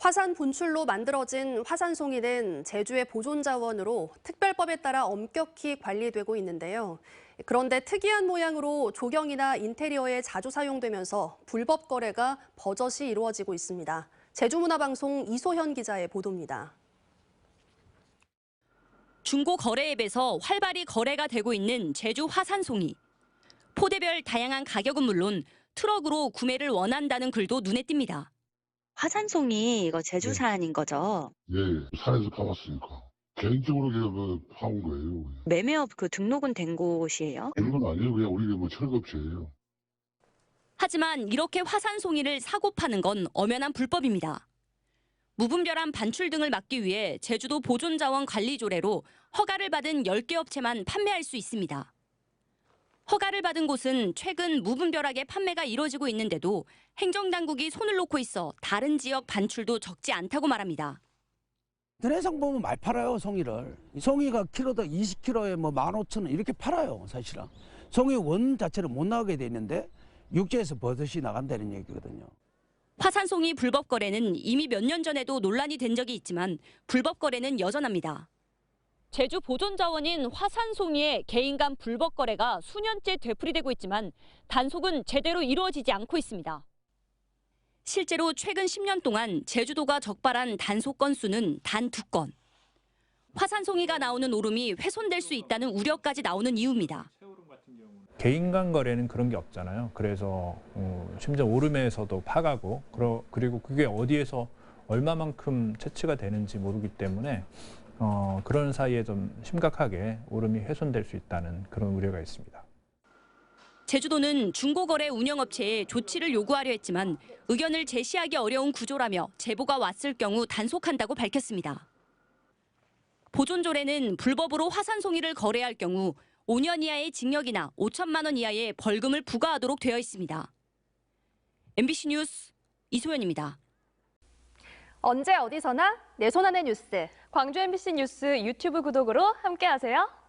화산 분출로 만들어진 화산송이는 제주의 보존자원으로 특별법에 따라 엄격히 관리되고 있는데요. 그런데 특이한 모양으로 조경이나 인테리어에 자주 사용되면서 불법 거래가 버젓이 이루어지고 있습니다. 제주문화방송 이소현 기자의 보도입니다. 중고 거래 앱에서 활발히 거래가 되고 있는 제주 화산송이. 포대별 다양한 가격은 물론 트럭으로 구매를 원한다는 글도 눈에 띕니다. 화산송이 이거 제주산인 거죠? 예, 산에서 파봤으니까. 개인적으로 그냥 파온 거예요. 매매업 등록은 된 곳이에요? 그런 건 아니에요. 그냥 우리 철거업체예요. 하지만 이렇게 화산송이를 사고 파는 건 엄연한 불법입니다. 무분별한 반출 등을 막기 위해 제주도 보존자원관리조례로 허가를 받은 10개 업체만 판매할 수 있습니다. 허가를 받은 곳은 최근 무분별하게 판매가 이뤄지고 있는데도 행정당국이 손을 놓고 있어 다른 지역 반출도 적지 않다고 말합니다. 인터넷상 보면 많이 팔아요, 송이를. 송이가 키로당 20kg에 15,000원 이렇게 팔아요, 사실은. 송이 원 자체를 못 나가게 돼 있는데 육지에서 버섯이 나간다는 얘기거든요. 화산송이 불법 거래는 이미 몇 년 전에도 논란이 된 적이 있지만 불법 거래는 여전합니다. 제주 보존자원인 화산송이의 개인 간 불법 거래가 수년째 되풀이되고 있지만 단속은 제대로 이루어지지 않고 있습니다. 실제로 최근 10년 동안 제주도가 적발한 단속 건수는 단 2건. 화산송이가 나오는 오름이 훼손될 수 있다는 우려까지 나오는 이유입니다. 개인 간 거래는 그런 게 없잖아요. 그래서 심지어 오름에서도 파가고 그리고 그게 어디에서 얼마만큼 채취가 되는지 모르기 때문에 그런 사이에 좀 심각하게 오름이 훼손될 수 있다는 그런 우려가 있습니다. 제주도는 중고거래 운영업체에 조치를 요구하려 했지만 의견을 제시하기 어려운 구조라며 제보가 왔을 경우 단속한다고 밝혔습니다. 보존조례는 불법으로 화산송이를 거래할 경우 5년 이하의 징역이나 5천만 원 이하의 벌금을 부과하도록 되어 있습니다. MBC 뉴스 이소연입니다. 언제 어디서나 내 손 안의 뉴스. 광주 MBC 뉴스 유튜브 구독으로 함께하세요.